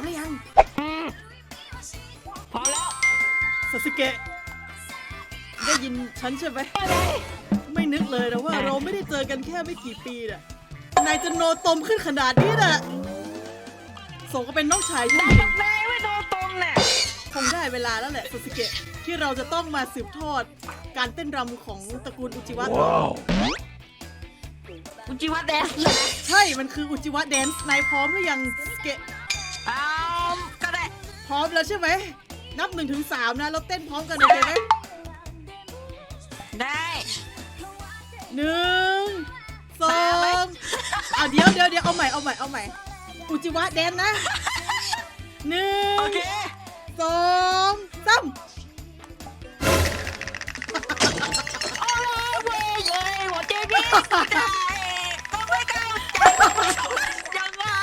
หรือยังพร้อมแล้วซาสึเกะได้ยินฉันใช่ไหมไม่นึกเลยนะว่าเราไม่ได้เจอกันแค่ไม่กี่ปีน่ะนายจะโนตมขึ้นขนาดนี้น่ะสมก็เป็นน้องชายฉันได้เองกับนายไม่โดนตรงน่ะคงได้เวลาแล้วแหละซาสึเกะที่เราจะต้องมาสืบทอดการเต้นรำของตระกูลอุจิวะอุจิวะแดนซ์เลยนะใช่ มันคืออุจิวะแดนซ์นายพร้อมหรือยังซาสึเกะก็ได้พร้อมแล้วใช่ไหมนับ1 ถึง 3นะเราเต้นพร้อมกันโอเคไหมได้ 1 2เอาเดี๋ยวเอาใหม่อุจิวะแดนนะ1 โอเค 2 3 โอ้ยเว้ยเย้ยหัวใจพี่ได้ก็ไม่เข้าใจยังไง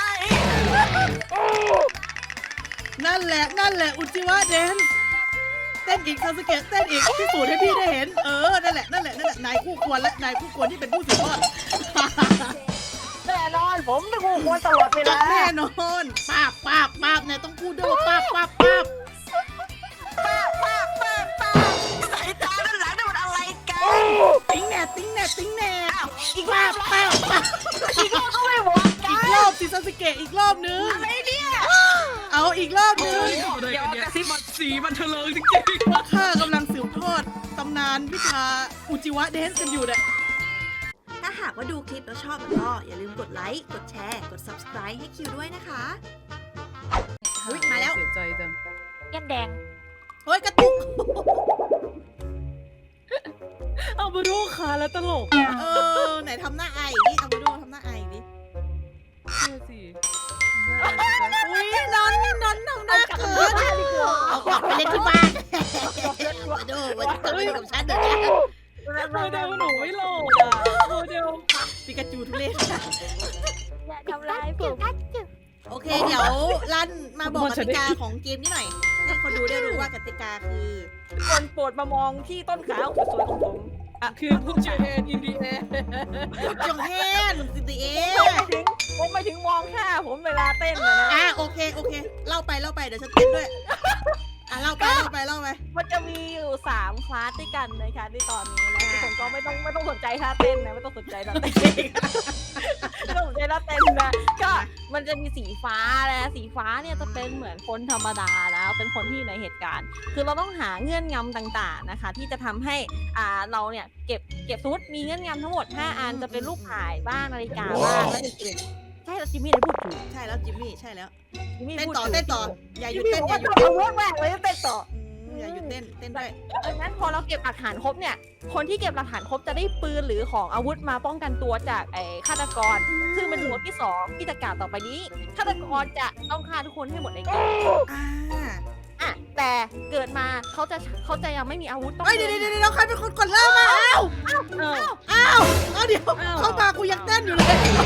นั่นแหละอุจิวะแดนเต้นอีกซาสึเกะเต้นอีกพิสูจน์ให้พี่ได้เห็นนั่นแหละนายคู่ควรและนายคู่ควรที่เป็นผู้สืบทอดแน่นอนผมเป็นผู้ควรตลอดเวลาแน่นอนป้าบเนี่ยต้องพูดด้วยว่าป้าบป้าสายตาด้านหลังนี่มันอะไรกันติ้งแน่อ้าวอีกรป้าอบบอีกรอบก็ไม่หมดกัอีนกรอบสิซาสึเกะอีกรอบนึงอะไรเนี่ยเอาอีกรอบนึงเดี๋ยวกระซิบมันเถลิงจริงเพราะข้ากำลังสืบทอดตำนานวิชาอุจิวะแดนซ์กันอยู่เนี่ยถ้าหากว่าดูคลิปแล้วชอบแล้วก็อย่าลืมกดไลค์ กดแชร์ กด subscribe ให้คิวด้วยนะคะ อุ๊ยมาแล้วเสียใจจังแก้มแดงเฮ้ยกระตุกเอามาดูขาแล้วตลกไหนทำหน้าไอดิเอามาดูทำหน้าไอดิเนี่ยสิอุ้ยนอนทำหน้าเขินเอากลับไปเล่นที่บ้านมาดูกับฉันเดี๋ยวนี้โมเดลหนูไม่โหลดอ่ะโมเดลปิกาจูทุเรศอย่าทำร้ายผมโอเค เดี๋ยวรันมาบอกกติกาของเกมนี้หน่อยให้คนดูได้รู้ว่ากติกาคือทุกคนโปรดมามองที่ต้นขาสวยๆของผมคือผู้เจนอินดีแอร์จงแฮนสิติเอผมไม่ถึงมองหน้าผมเวลาเต้นนะนะโอเคเล่าไปเดี๋ยวฉันเต้นด้วยเล่าไปมันจะมีอยู่3คลาสด้วยกันนะคะในตอนนี้นะทุกคนก็ไม่ต้องสนใจท่าเต้นนะไม่ต้องสนใจท่าเต้นไม่ต้องสนใจท่าเต้นนะก็มันจะมีสีฟ้านะสีฟ้าเนี่ยจะเป็นเหมือนคนธรรมดาแล้วเป็นคนที่อยู่ในเหตุการณ์ คือเราต้องหาเงื่อนงำต่างๆนะคะ ที่จะทำให้เราเนี่ยเก็บสมมติมีเงื่อนงำทั้งหมด5อันจะเป็นรูปถ่ายบ้างนาฬิกาบ้างและอื่นๆใช่แล้วจิมมี่ได้พูดถูกใช่แล้วจิมมี่ใช่แล้วจิมมี่เต้นพูดต่อถูกเต้นต่ออย่าหยุดจิมเต้มี่นบอกอย่าว่าหยุดเต้นเวิร์กมากเลยเต้นต่ออย่าหยุดเต้นด้วยดังนั้นพอเราเก็บหลักฐานครบเนี่ย คนที่เก็บหลักฐานครบจะได้ปืนหรือของอาวุธมาป้องกันตัวจากไอ้ฆาตกร ซึ่งเป็นหัวที่2ที่จะกล่าวต่อไปนี้ฆาตกรจะต้องฆ่าทุกคนให้หมดในเกม แต่เกิดมาเขาจะยังไม่มีอาวุธต้องเดี๋ยวใครเป็นคนกดเริ่มมาเดี๋ยวเข้ามากูยังเต้นอยู่เลย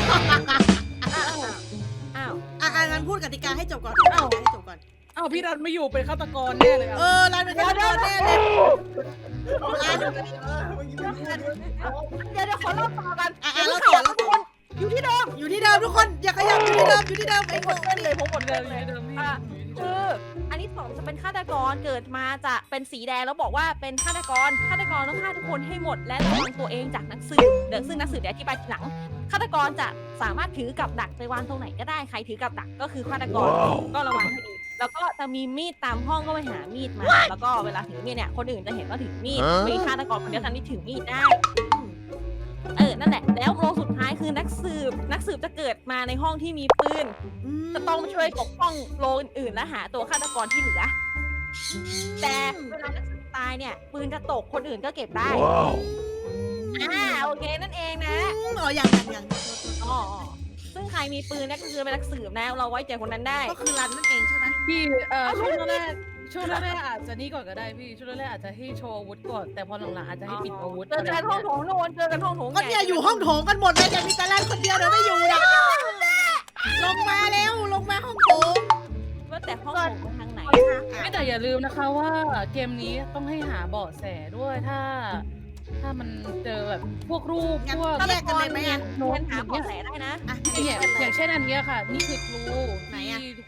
งั้นพูดกติกาให้จบก่อนให้จบก่อนอ้าวพี่รันไม่อยู่เป็นฆาตกรแน่เลยอ่ะรันเป็นฆาตกรแน่เลยรันเดี๋ยวขอเล่าต่อกันเราต่อทุกคนอยู่ที่เดิมอยู่ที่เดิมทุกคนอย่าขยับอยู่ที่เดิมไอ้ผมหมดเล่นเลยผมหมดเดิเล่มนเลเลย ยเดิมนี่คืออันที่2จะเป็นฆาตกรเกิดมาจะเป็นสีแดงแล้วบอกว่าเป็นฆาตกรต้องฆ่าทุกคนให้หมดและระวังตัวเองจากนักสืบซึ่งนักสืบเดี๋ยวอธิบายทีหลังฆาตกรจะสามารถถือกับดักไปวางตรงไหนก็ได้ใครถือกับดักก็คือฆาตกรก็ระวังให้ดีแล้วก็จะมีมีดตามห้องก็ไปหามีดมาแล้วก็เวลาถือมีดเนี่ยคนอื่นจะเห็นว่าถือมีดมีฆาตกรคนเดียวกันที่ถือมีดได้นั่นแหละแล้วโรสุดท้ายคือนักสืบจะเกิดมาในห้องที่มีปืนจะต้องช่วยปกป้องโรอื่นๆและหาตัวฆาตกรที่เหลือแต่เวลานักสืบตายเนี่ยปืนจะตกคนอื่นก็เก็บได้โอเคนั่นเองนะอย่างอ๋อซึ่งใครมีปืนเนี่ยก็คือเป็นนักสืบนะเราไว้ใจคนนั้นได้ก็คือรันนั่นเองใช่ไหมพี่ช่วงแรกอาจจะนี่ก่อนก็ได้พี่ช่วงแรกอาจจะให้โชว์อาวุธก่อนแต่พอหลังๆอาจจะให้ปิดอาวุธเจอกันห้องโถงโน่นเจอกันห้องโถงก็เนี่ยอยู่ห้องโถงกันหมดเลยแต่มีแต่รันคนเดียวเดี๋ยวไม่อยู่นะลงมาแล้วลงมาห้องโถงว่าแต่ห้องโถงทางไหนไม่แต่อย่าลืมนะคะว่าเกมนี้ต้องให้หาเบาะแสด้วยถ้ามันเจอแบบพวกรูปพวกแยกกันเลยไหมโน้ตหาเบาะแสได้นะเนี่ยอย่างเช่นอันเนี้ยค่ะ นี่คือครูไหนอะที่ทุกคน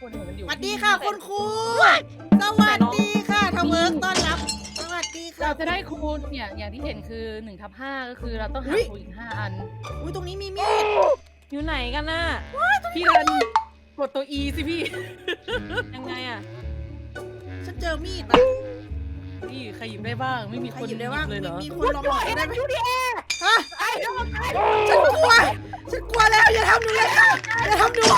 คนเห็นมันอยู่สวัสดีค่ะคุณครูสวัสดีค่ะทำเวิร์กต้อนรับสวัสดีค่ะเราจะได้คูณเนี่ยอย่างที่เห็นคือ1/5ก็คือเราต้องหาคูณอีก5 อันอุ้ยตรงนี้มีมีดอยู่ไหนกันน่ะพี่รันกดตัว E สิพี่ยังไงอะฉันเจอมีดอ่ะพี่ใครหยิบได้บ้างไม่มีใครคนหยิบได้บ้างเลยเหรอมีคนลองหยิบได้ไหมฮะฉันกลัวฉันกลัวแล้วอย่าทำหนูเลยค่ะอย่าทำหนู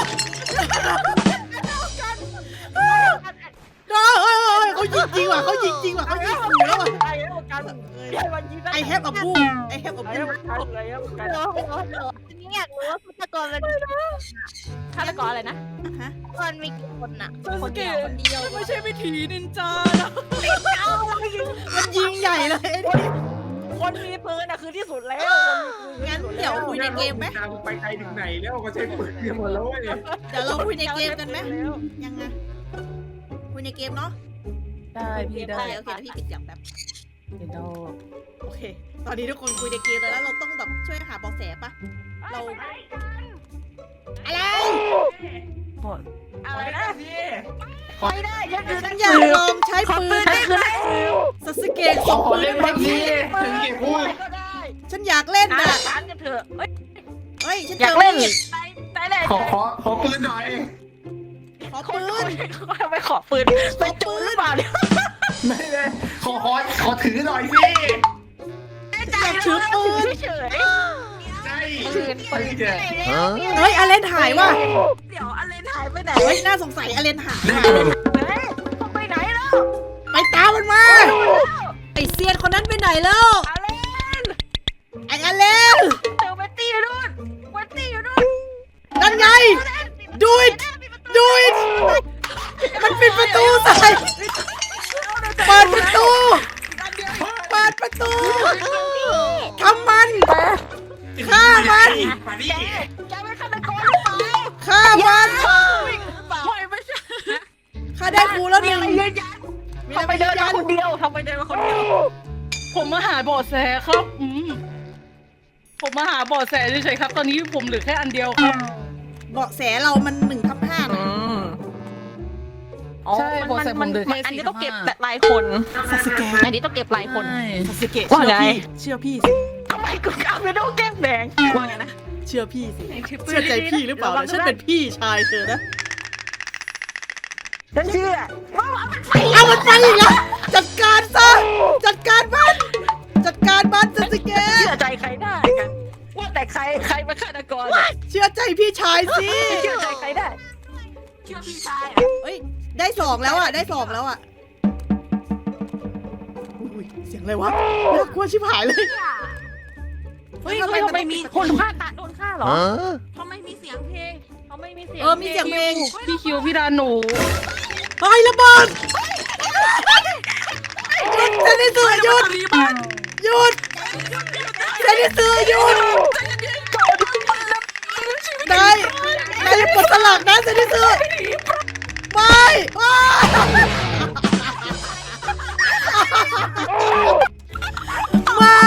เขายิงจริงว่ะเขายิงจริงว่ะเขายิงขู่แล้วว่ะไอ้แล้วกันไอ้วันยิงได้ไอแฮปอับบูไอแฮปอับไอ้บูแล้วกันเลยแล้วกันนี่อยากรู้ว่าฆาตกรมันฆาตกรอะไรนะฮะมันมีกี่คนอะคนเดียวคนเดียวไม่ใช่วิถีนินจานะมันยิงใหญ่เลยคนมีปืนอะคือที่สุดแล้วงั้นเดี๋ยวคุยในเกมไหมทางไปไกลถึงไหนแล้วก็ใช้ปืนกันหมดแล้วเว้ยเดี๋ยวเราคุยในเกมกันไหมยังไงคุยในเกมเนาะได้พี่ได้โอเคเดี๋ยวพี่ปิดเสียงแป๊บเห็นดอกโอเค ตอนนี้ทุกคนคุยในเกมแล้วเราต้องแบบช่วยหาเบาะแสปะเรา อะไรบอดอะไรนะไม่ได้ฉันอยากลองใช้ปืนซัสเกะสองปืนแบบนี้ถึงเก็บพูดก็ได้ฉันอยากเล่นอ่ะน่ะฉันกันเถอะเฮ้ยเฮ้ย ฉันอเจยากอเล่นมีดได้เลยขอปืนหน่อยขอปืนไปขอปืนไปจูนหรือเปล่าเนี่ยไม่เลยขอถือหน่อยสิอยากถือปืนเฉยใช่ปืนเจอเฮ้ยอเลนหายว่ะเดี๋ยวอะไรหายไปไหนเฮ้ย น่าสงสัยอเลนหายไปไหนแล้วไปตามมันมา ไอเซียนคนนั้นไปไหนแล้วอะไรไออเลนเจอเวตตี้อยู่นู่นเวตตี้อยู่นู่นนั่นไง ดูดดูดมันปิดประตูใส่เปิดประตูเปิดประตูทำมันฆ่ามันมาดิแกไม่ฆาตกรหรือเปล่าฆ่ามันไม่ใช่ฆ่าได้ครูแล้วหนึ่งยืนยันทำไปเดินมาคนเดียวทำไปเดินมาคนเดียวผมมาหาเบาะแสครับผมมาหาเบาะแสเฉยๆครับ ตอนนี้ผมเหลือแค่อันเดียวครับเบาะแสเรามัน1/5นะใช่เบาะแสผมเหลือแค่อันนี้ 4/5 ต้องเก็บแต่ลายคนซาสึเกะอันนี้ต้องเก็บลายคนซาสึเกะว่าไงเชื่อพี่สิทำไมกูกล้าไปดูแก้มแดงว่าไงนะเชื่อพี่สิเชื่อใจพี่หรือเปล่าฉันเป็นพี่ชายเธอนะฉันเชื่อเอามันไปอีกแล้วจัดการซะจัดการมันจัดการมันซาสึเกะเชื่อใจใครได้กัน ว่าแต่ใครเป็นฆาตกรเชื่อใจพี่ชายสิเชื่อใจใครได้ เชื่อพี่ชายเฮ้ยได้2แล้วอ่ะได้2แล้วอ่ะอุ้ยเสียงอะไรวะน่ากลัวชิบหายเลยเฮ้ยทำไมมีคนฆ่าโดนฆ่าเหรอทำไมมีเสียงเพลงทำไมมีเสียงมีเสียงเพลงพี่คิวพี่ดาหนูเฮ้ยระเบิดหยุดเซนิสึหยุดหยุดเซนิสึหยุดได้ได้อย่ากดสลักนะเซนิสึไม่ว้า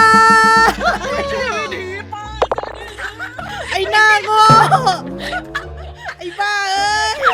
ไอ้หน้าโง่ไอ้บ้าเอ้ย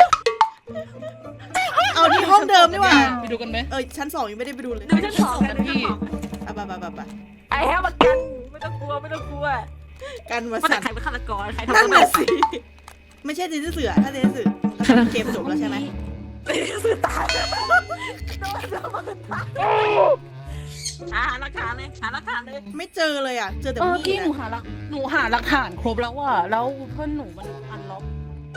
เอาที่ห้องเดิมดีกว่าไปดูกันไหมชั้น2ยังไม่ได้ไปดูเลยดูชั้นสองกันพี่ไปไอ้แฮมมากันไม่ต้องกลัวไม่ต้องกลัวกันมาว่าแต่สั่นใครเป็นฆาตกรใครทำนั่นอะไรน่ะสิ ไม่ใช่เซนเสือถ้าเซนเสือเกมจบแล้วใช่ไหมสื่อตายโดนระเบิดตายหาหลักฐานเลยหาหลักฐานเลยไม่เจอเลยอ่ะ เจอแต่เออมีพี่ดหนูอะหาหลักฐานครบแล้วว่ะแล้วเพื่อนหนูมันอันล็อก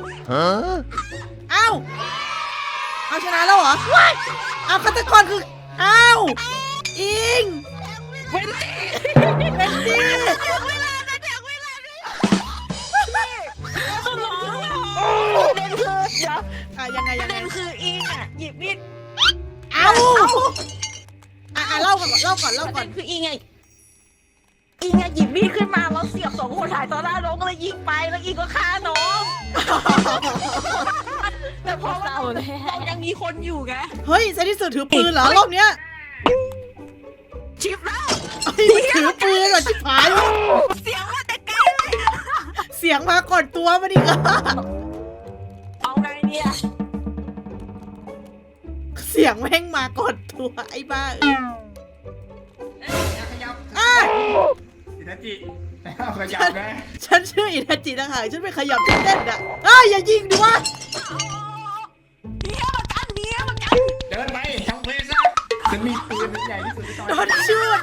อ้าวเอาชนะแล้วเหรอเอาฆาตกรคืออ้าวอิงเวนดี้ประเด็นคือเดี๋ยวยังไงประเด็นคืออิงอ่ะหยิบมีดเอาเล่าก่อนประเด็นคืออิงไงอิงอ่ะหยิบมีดขึ้นมาแล้วเสียบ2 คนถ่ายต่อหน้าน้องก็เลยยิงไปแล้วอิงก็ฆ่าน้อง แต่พอเรายังมีคนอยู่ไงเฮ้ยเซนที่สุดถือปืนเหรอรอบเนี้ยชิปแล้วถือปืนเหรอชิบหายเสียงมาแต่ไกลเลยเสียงมาก่อนตัวมาดิค่ะเอาไงเนี่ยเสียงแม่งมาก่อนตัวไอ้บ้าขยับอ่ะอินาจิขยับนะฉันชื่ออินาจินะคะฉันไปขยับเต้นอ่ะอย่ายิงดิวะเดินไปทำเพลซะฉันมีปืนใหญ่ที่สุดในตอนโดนชูด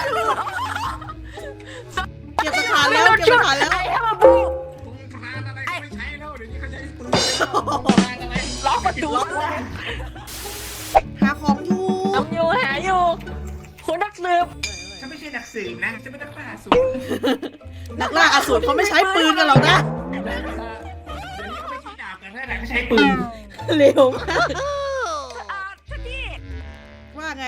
เก็บหลักฐานแล้วเก็บหลักฐานแล้วปืนคานอะไรไม่ใช้แล้วเดี๋ยวนี้เขาใช้ปืนคานอะไรล็อกประตูหาของอยู่ทำอยู่หาอยู่คุณนักสืบฉันไม่ใช่นักสืบนะฉันเป็นนักล่าสูตรนักล่าอสูรเขาไม่ใช้ปืนกันหรอกนะเดี๋ยวนี้เขาไม่ใช้ดาบกันแล้วนะเขาใช้ปืนเร็วมากท่านพี่ว่าไง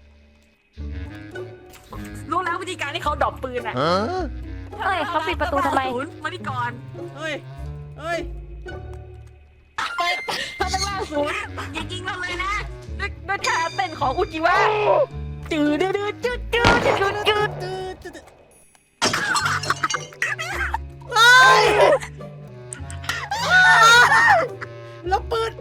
รู้แล้ววิธีการที่เขาดรอปปืนอ่ะเฮ้ยเขาปิดประตูทำไมมาที่ก่อนเฮ้ยเฮ้ยถ้าต้องล่าศูนย์อย่ายิงเราเลยนะด้วยท่าเต้นของอุจิวะจืดดืดจืดจืดจืดจืดเฮ้ยแล้วปืน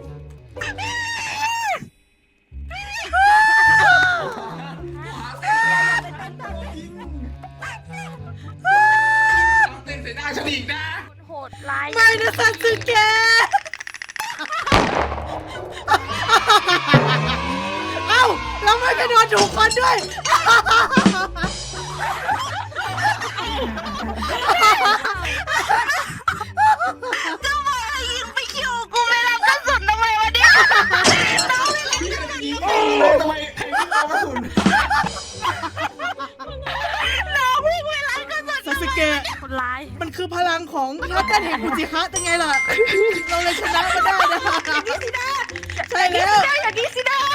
เต้นใส่หน้าฉันอีกนะโหดร้ายไม่นะซันสึเกะเอ้าเราไม่ไปโดนถูกคนด้วยไปคิวกูไม่รับกระสุนทำไมวะเนี่ยยิงเลยทำไมใครไม่เอากระสุนซันสึเกะคนร้ายมันคือพลังของทัพกันแห่งอุจิฮะยังไงล่ะ เราเลยชนะมาได้นะใช่แล้วอย่างนี้สินะ